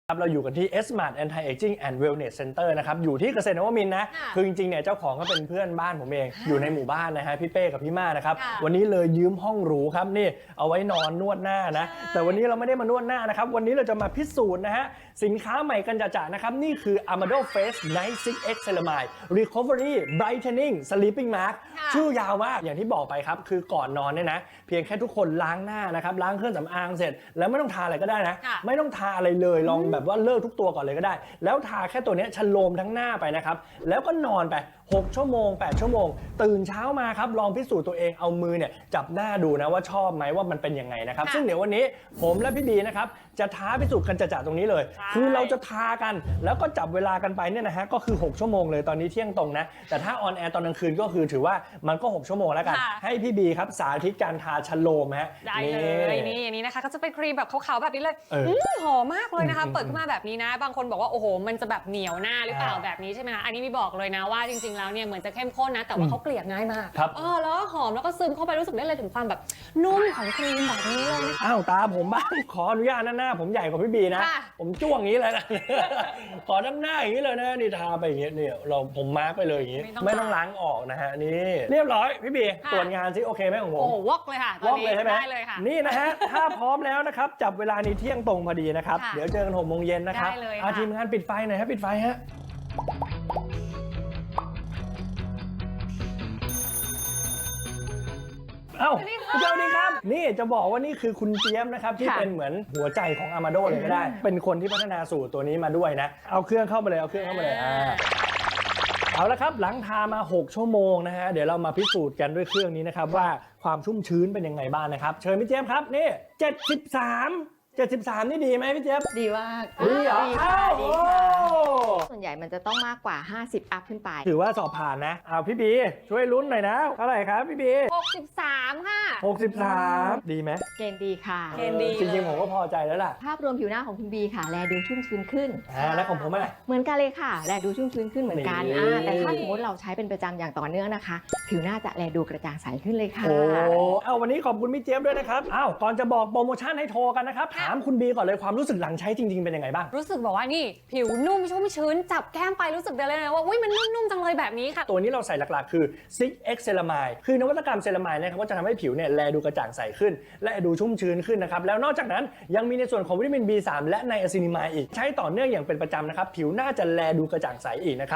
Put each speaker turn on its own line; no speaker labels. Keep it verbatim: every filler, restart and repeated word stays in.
เราอยู่กันที่ S-Mart Anti-Aging and Wellness Center นะครับอยู่ที่เกษตรนวมินทร์นะคือจริงๆเนี่ยเจ้าของก็เป็นเพื่อนบ้านผมเองอยู่ในหมู่บ้านนะฮะพี่เป้กับพี่ม่านะครับวันนี้เลยยืมห้องหรูครับนี่เอาไว้นอนนวดหน้านะแต่วันนี้เราไม่ได้มานวดหน้านะครับวันนี้เราจะมาพิสูจน์นะฮะสินค้าใหม่กันจ่าๆนะครับนี่คือ Amado Face Night ซิกซ์ เอ็กซ์ Ceramide Recovery Brightening Sleeping Mask ชื่อยาวมากอย่างที่บอกไปครับคือก่อนนอนเนี่ยนะเพียงแค่ทุกคนล้างหน้านะครับล้างเครื่องสำอางเสร็จแล้วไม่ต้องทาอะไรก็ได้นะไม่ต้องทาอะไรเลยลองแบบว่าเลิกทุกตัวก่อนเลยก็ได้แล้วทาแค่ตัวนี้ชโลมทั้งหน้าไปนะครับแล้วก็นอนไปหกชั่วโมงแปดชั่วโมงตื่นเช้ามาครับลองพิสูจน์ตัวเองเอามือเนี่ยจับหน้าดูนะว่าชอบไหมว่ามันเป็นยังไงนะครับซึ่งเดี๋ยววันนี้ผมและพี่บีนะครับจะท้าพิสูจน์กันจ่าๆตรงนี้เลยคือเราจะทากันแล้วก็จับเวลากันไปเนี่ยนะฮะก็คือหกชั่วโมงเลยตอนนี้เที่ยงตรงนะแต่ถ้าออนแอร์ตอนกลางคืนก็คือถือว่ามันก็หกชั่วโมงแล้วกันให้พี่บีครับสาธิตการทาชโลมฮะ
ได้เลยนี่อย่างนี้นะคะก็จะเป็นครีมแบบขาวๆแบบนี้เลยหอมมากเลยนะคะเปิดขึ้นมาแบบนี้นะบางคนบอกว่าโอ้โหมันจะแบบเหนียวหน้าหรือเปล่าแบบนี้ใช่ไหมคะอันนี้มีบอกเลยนะว่าจริงๆแล้วเนี่ยเหมือนจะเข้มข้นนะแต่ว่าเขาเกลี่ยง่ายมากเออแล้วหอมแล้วก็ซึมเข้าไปรู้สึกได้เลยถึงความแบบนุ่มของครีมแบบนี้เลย
อ้าวตาผมบ้างขออนุญาตหน้าหน้าผมใหญ่กว่าพี่บีนะผมจ้วงอย่างนี้เลยนะขอด้านหน้าอย่างนี้เลยนะนี่ทาไปอย่างนี้เนี่ยเราผมมาร์กไปเลยอย่างนี้ไม่ต้องล้างออกนะฮะนี่เรียบร้อยพี่บีตรวจงานซิโอเคไหมของผม
โอ้วอกเลยค่ะ
วอกเลยใช่ไหม
ได้เลยค่ะ
นี่นะฮะถ้าพร้อมแล้วนะครับจับเวลานี้เที่ยงตรงพอดีนะครับเดี๋ยวเจอกันหกโมงเย็นนะครับอาทีมงานปิดไฟหน่อยฮะปิดไฟฮะเอ้าสวัสดีครับนี่จะบอกว่านี่คือคุณเจี๊ยบนะครับที่เป็นเหมือนหัวใจของ Amado เลยก็ได้เป็นคนที่พัฒนาสูตรตัวนี้มาด้วยนะเอาเครื่องเข้ามาเลยเอาเครื่องเข้ามาเลยอ่าเอาละครับหลังทามาหกชั่วโมงนะฮะเดี๋ยวเรามาพิสูจน์กันด้วยเครื่องนี้นะครับว่าความชุ่มชื้นเป็นยังไงบ้างนะครับเชิญพี่เจี๊ยบครับนี่เจ็ดสิบสามเจ็ดสิบสามนี่ดีไหมพี่เจี๊ยบ
ดีมาก
ดีเหรออ้าวโอ้
ส่วนใหญ่มันจะต้องมากกว่าห้าสิบอัพขึ้นไป
ถือว่าสอบผ่านนะเอาพี่บีช่วยลุ้นหน่อยนะเท่าไหร่ครับพี่บี
หกสิบสามค่ะ
หกสิบสามดีไหม
เกณฑ์ดีค่ะ
เกณฑ์ดี
จริงๆผมก็พอใจแล้วล่ะ
ภาพรวมผิวหน้าของคุณบีค่ะแลดูชุ่มชื้นขึ้น
อ่าแล้วของผมอ่ะ
เหมือนกันเลยค่ะแลดูชุ่มชื้นขึ้นเหมือนกันอ่าแต่ถ้าสมมติเราใช้เป็นประจำอย่างต่อเนื่องนะคะผิวหน้าจะแลดูกระจ่างใสขึ้นเลยค่ะ
โอ้เอาวันนี้ขอบคุณพี่เจี๊ยบด้วยนะครับอ้าวก่อนจะบอกโปรโมชั่นให้โทรกันนะครับถามคุณบีก่อนเลยความรู้สึกหลังใช้จริงๆเป็นยังไงบ้าง
รู้สึกบอกว่านี่ผิวนุ่มชุ่มชื้นจับแก้มไปรู้สึกได้เลยนะว่าอุ้ยมันนุ่มๆจังเลยแบบนี้ค่ะ
ตัวนี้เราใส่หลักๆคือ ซิกซ์ เอ็กซ์ Ceramide คือนวัตกรรมเซรามายนะครับก็จะทำให้ผิวเนี่ยแลดูกระจ่างใสขึ้นและดูชุ่มชื้นขึ้นนะครับแล้วนอกจากนั้นยังมีในส่วนของวิตามิน บี สาม และไนอะซินิมายด์อีกใช้ต่อเนื่องอย่างเป็นประจำนะครับผิวหน้าจะแลดูกระจ่างใสอีกนะครับ